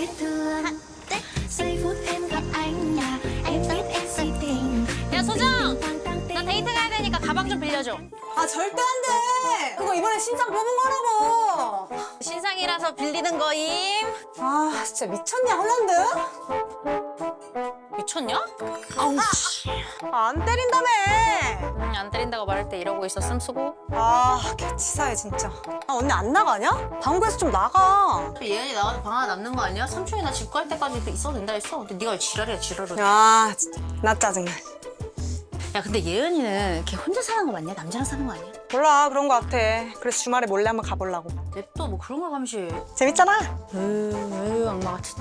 biết thương. Giây phút em gặp anh nhà em biết em say tình. 야 소정, 나 데이트 가야 되니까 가방 좀 빌려줘. 아 절대 안 돼. 그거 이번에 신상 뽑은 거라고. 신상이라서 빌리는 거임. 아 진짜 미쳤냐 홀란드? 미쳤냐? 아우 씨. 안 때린다며. 안 때린다고 말할 때 이러고 있었음 수고. 아 개치사해 진짜. 아 언니 안 나가냐? 방구에서 좀 나가. 예은이 나가서 방 하나 남는 거 아니야? 삼촌이 나 집 갈 때까지 있어도 된다 했어. 근데 네가 왜 지랄이야 지랄을. 야 진짜 나 짜증나. 야 근데 예은이는 걔 혼자 사는 거 맞냐? 남자랑 사는 거 아니야? 몰라 그런 거 같아. 그래서 주말에 몰래 한번 가보려고. 냅둬 뭐 그런 걸 감시해. 재밌잖아. 에휴 악마 같은.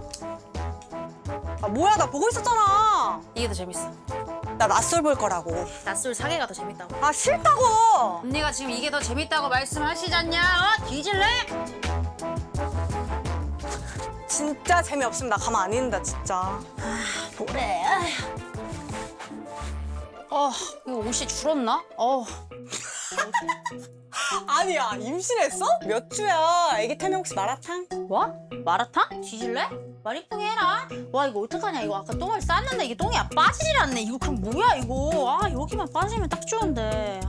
아 뭐야 나 보고 있었잖아. 이게 더 재밌어. 나 낯설 볼 거라고. 낯설 사계가 더 재밌다고. 아 싫다고. 언니가 지금 이게 더 재밌다고 말씀하시잖냐? 어? 뒤질래? 진짜 재미없으면 나 가만 안 있는다 진짜. 뭐래? 이거 옷이 줄었나? 아니야 임신했어? 몇 주야? 애기 태명 혹시 마라탕? 뭐? 마라탕? 뒤질래? 말 이쁘게 해라. 와 이거 어떡하냐. 이거 아까 똥을 쌌는데 이게 똥이 빠지질 않네. 이거 그럼 뭐야 이거. 아 여기만 빠지면 딱 좋은데.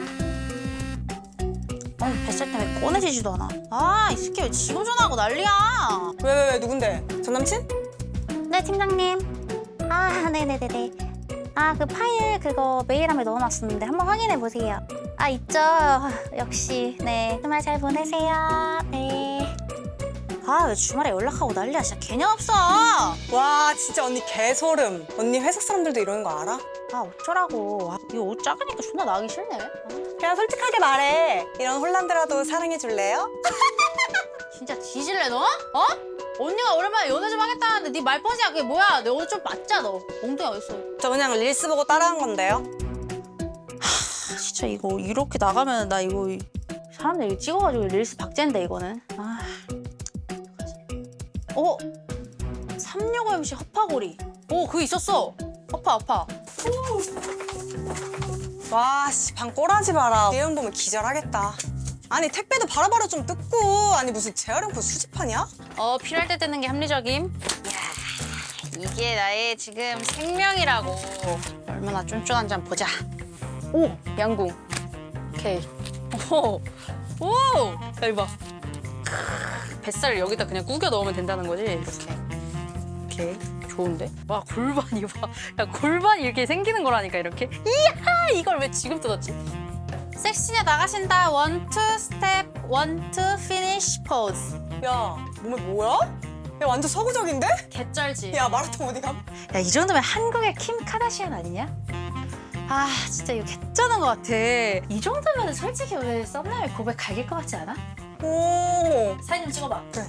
뱃살 때문에 꺼내지지도 않아. 이 새끼 왜 지금 전화하고 난리야. 왜 누군데? 전 남친? 네, 팀장님. 네네네네. 그 파일 그거 메일함에 넣어놨었는데 한번 확인해 보세요. 있죠. 역시. 네. 주말 잘 보내세요. 네. 왜 주말에 연락하고 난리야. 진짜 개념 없어. 와 진짜 언니 개소름. 언니 회사 사람들도 이러는 거 알아? 어쩌라고. 이거 옷 작으니까 존나 나가기 싫네. 그냥 솔직하게 말해. 이런 홀란드라도 사랑해 줄래요? 진짜 뒤질래 너? 언니가 오랜만에 연애 좀 하겠다는데 네 말버릇이야. 그게 뭐야. 내 옷 좀 맞자 너. 엉덩이 어딨어. 저 그냥 릴스 보고 따라한 건데요. 진짜 이거 이렇게 나가면 나 이거 사람들 이거 찍어가지고 릴스 박제인데 이거는. 365MC 허파고리. 그거 있었어. 허파. 와 씨 방 꼬라지 마라. 예은 보면 기절하겠다. 아니 택배도 바로바로 좀 뜯고. 아니 무슨 재활용품 수집하냐? 필요할 때 뜨는 게 합리적임. 이야, 이게 나의 지금 생명이라고. 얼마나 쫀쫀한지 한번 보자. 양궁. 오케이. 야, 이거 봐. 뱃살을 여기다 그냥 구겨 넣으면 된다는 거지, 이렇게. 오케이. 좋은데? 와, 골반 이거 봐. 야, 골반이 이렇게 생기는 거라니까, 이렇게. 이야! 이걸 왜 지금 뜯었지? 섹시녀 나가신다. 1, 2 스텝, 1, 2 피니쉬 포즈. 야 몸에 뭐야? 야 완전 서구적인데? 개쩔지? 야 마라톤 어디 감? 야, 이 정도면 한국의 킴 카다시안 아니냐? 진짜 이거 개쩌는 것 같아. 이 정도면 솔직히 오늘 썸네일 고백 갈길 것 같지 않아? 오. 사진 좀 찍어봐. 그래.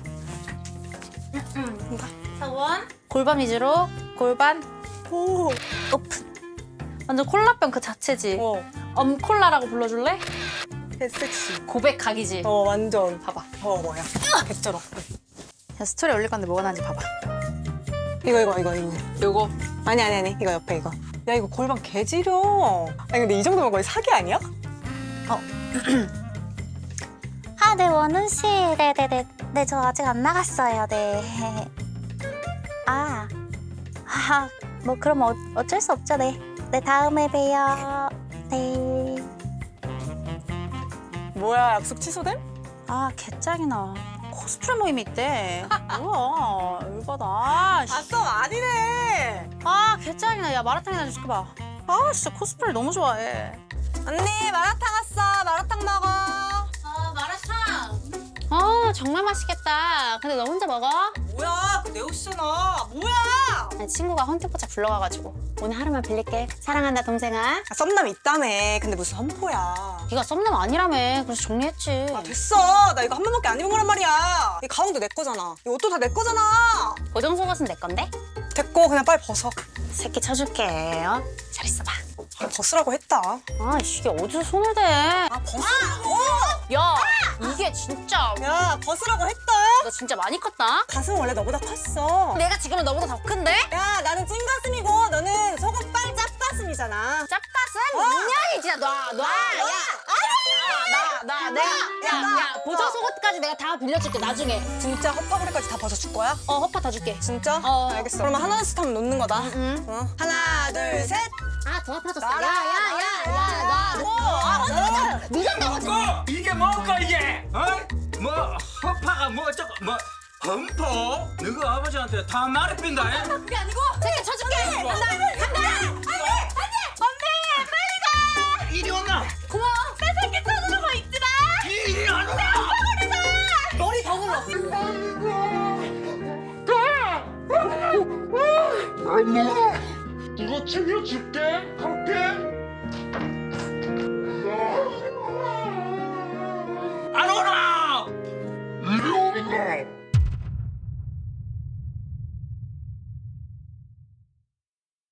사원. 골반 위주로. 골반 오. 오픈. 완전 콜라병 그 자체지. 엄콜라라고 불러줄래? 개섹시. 고백 각이지. 완전. 봐봐. 뭐야? 개쩔어. 야, 스토리 올릴 건데 뭐가 나는지 봐봐. 이거. 요거. 아니 이거 옆에 이거. 야 이거 골반 개지려. 아니 근데 이 정도면 거의 사기 아니야? 네, 원훈 씨. 네네네. 네, 저 아직 안 나갔어요. 네. 뭐 그럼 어쩔 수 없죠. 네. 네, 다음에 봬요. 네. 뭐야 약속 취소됨? 개짱이나. 코스프레 모임이 있대. 뭐야, 열받아. 썸 아니네. 개짱이나. 야, 마라탕이나 좀 시켜봐. 진짜 코스프레 너무 좋아해. 언니 마라탕 왔어. 마라탕 먹어. 마라탕. 정말 맛있겠다. 근데 너 혼자 먹어? 뭐야 그 내 옷이잖아. 뭐야? 아니, 친구가 헌팅포차 불러가가지고 오늘 하루만 빌릴게. 사랑한다 동생아. 썸남 있다며. 근데 무슨 험포야. 네가 썸남 아니라며. 그래서 정리했지. 됐어. 나 이거 한 번밖에 안 입은 거란 말이야. 이 가운도 내 거잖아. 이 옷도 다 내 거잖아. 고정 속옷은 내 건데? 됐고 그냥 빨리 벗어. 새끼 쳐줄게. 잘 있어봐. 벗으라고 했다. 이게 어디서 손을 대? 벗으라고. 야, 이게 진짜. 야 벗으라고 했다. 너 진짜 많이 컸다. 가슴은 원래 너보다 컸어. 내가 지금은 너보다 더 큰데? 야 나는 찐가슴이고 너는 소금빨 짭가슴이잖아. 짭가슴? 인연이 진짜 놔. 야, 놔. 야, 보조 속옷까지 내가 다 빌려줄게, 나중에. 진짜 허파고리까지 다 벗어줄 거야? 허파 다 줄게. 진짜? 어. 알겠어. 그러면 하나씩 하면 놓는 거다. 하나, 둘, 셋. 아, 더 아파졌어. 나라, 먹고 이게 뭔가 이게? 어? 뭐 허파가 뭐 어쩌고 뭐 험포? 너가 아버지한테 다 말이 빈다. 그게 아니고, 제가 쳐줄게. 간다. 이리 온나? 고마워. 뺏을게 쳐주는 거 있지 마. 이리 안 와. 머리 더 굴러. 이거 챙겨줄게.